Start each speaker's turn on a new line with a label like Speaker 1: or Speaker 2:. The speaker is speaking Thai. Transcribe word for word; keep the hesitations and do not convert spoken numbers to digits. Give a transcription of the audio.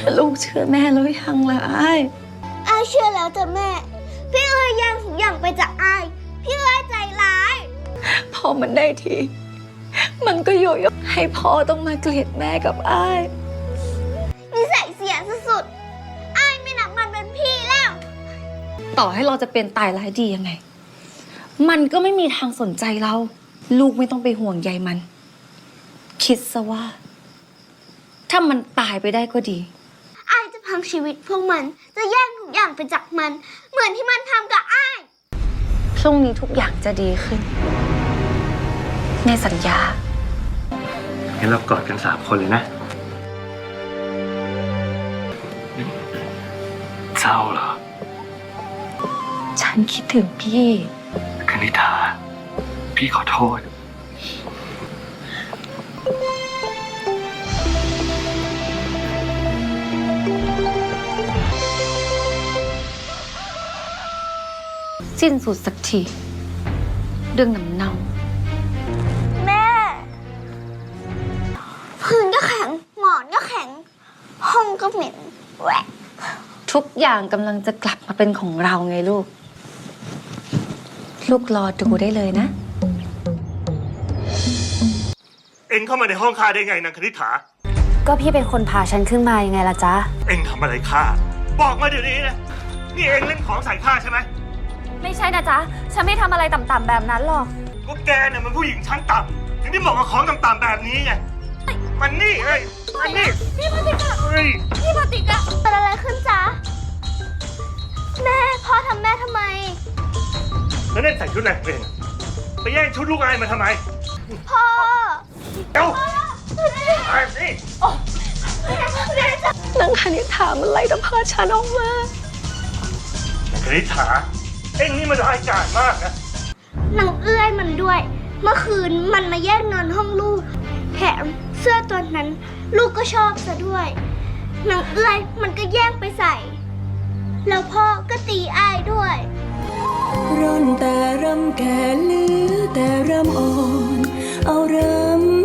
Speaker 1: ลูกเชื่อแม่แล้วยังล่ะไอ้
Speaker 2: ไอ้เชื่อแล้วแต่แม่พี่เอ้ยแย่งทุกอย่างไปจากไอ้พี่เอ้ยใจร้าย
Speaker 1: พอมันได้ทีมันก็โยโย่ให้พ่อต้องมาเกลียดแม่กับไอ้
Speaker 2: นิสัยเสียสุดๆไอ้ไม่นับมันเป็นพี่แล้ว
Speaker 1: ต่อให้เราจะเป็นตายร้ายดียังไงมันก็ไม่มีทางสนใจเราลูกไม่ต้องไปห่วงใยมัน คิดซะว่าถ้ามันตายไปได้ก็ดี
Speaker 2: ไอ้จะพังชีวิตพวกมันจะแย่งทุกอย่างไปจากมันเหมือนที่มันทำกับไอ้
Speaker 1: พรุ่งนี้ทุกอย่างจะดีขึ้นในสัญญา
Speaker 3: งั้นเรากอดกันสามคนเลยนะเศร้าเหรอ
Speaker 1: ฉันคิดถึงพี่
Speaker 3: คณิธาพี่ขอโทษ
Speaker 1: สิ้นสุดสักทีเรื่องน้ำเน่า
Speaker 2: แม่พื้นก็แข็งหมอนก็แข็งห้องก็เหม็นแหวะ
Speaker 1: ทุกอย่างกำลังจะกลับมาเป็นของเราไงลูกลูกรอดูได้เลยนะ
Speaker 3: เอ็งเข้ามาในห้องข้าได้ไงนางคณิษฐา
Speaker 4: ก็พี่เป็นคนพาฉันขึ้นมายังไงล่ะจ๊ะ
Speaker 3: เอ็งทำอะไรข้าบอกมาเดี๋ยวนี้นะนี่เอ็งเล่นของใส่ข้าใช่ไหม
Speaker 4: ไม่ใช่นะจ๊ะฉันไม่ทำอะไรต่ำๆแบบนั้นหรอก
Speaker 3: ก็แกเนี่ยมันผู้หญิงชั้นต่ำถึงได้บอกว่าของต่ำๆแบบนี้ไงมันนี่เอ้ยมันนี่
Speaker 2: พี่ปฏิกะ
Speaker 3: เฮ้ย
Speaker 2: พี่ปฏิกะเกิดอะไรขึ้นจ๊ะแม่พ่อทำแม่ทำไม
Speaker 3: แล้วเล่นใส่ชุดไหนเองไปแย่งชุดลูกอายมาทำไม
Speaker 2: พ่อ
Speaker 3: เอ้าไอ้นี่
Speaker 1: นางคณิษฐามันไล่ตะพาฉันออกมาน
Speaker 3: างคณิษฐาเอ็งนี่มันร้ายกาจมากนะ
Speaker 2: นางเอื้อยมันด้วยเมื่อคืนมันมาแย่งเงินห้องลูกแถมเสื้อตัวนั้นลูกก็ชอบซะด้วยนางเอื้อยมันก็แย่งไปใส่แล้วพ่อก็ตีอ้ายด้วย
Speaker 5: ร่อนแต่รำแก่ลือแต่รำอ่อนเอารำ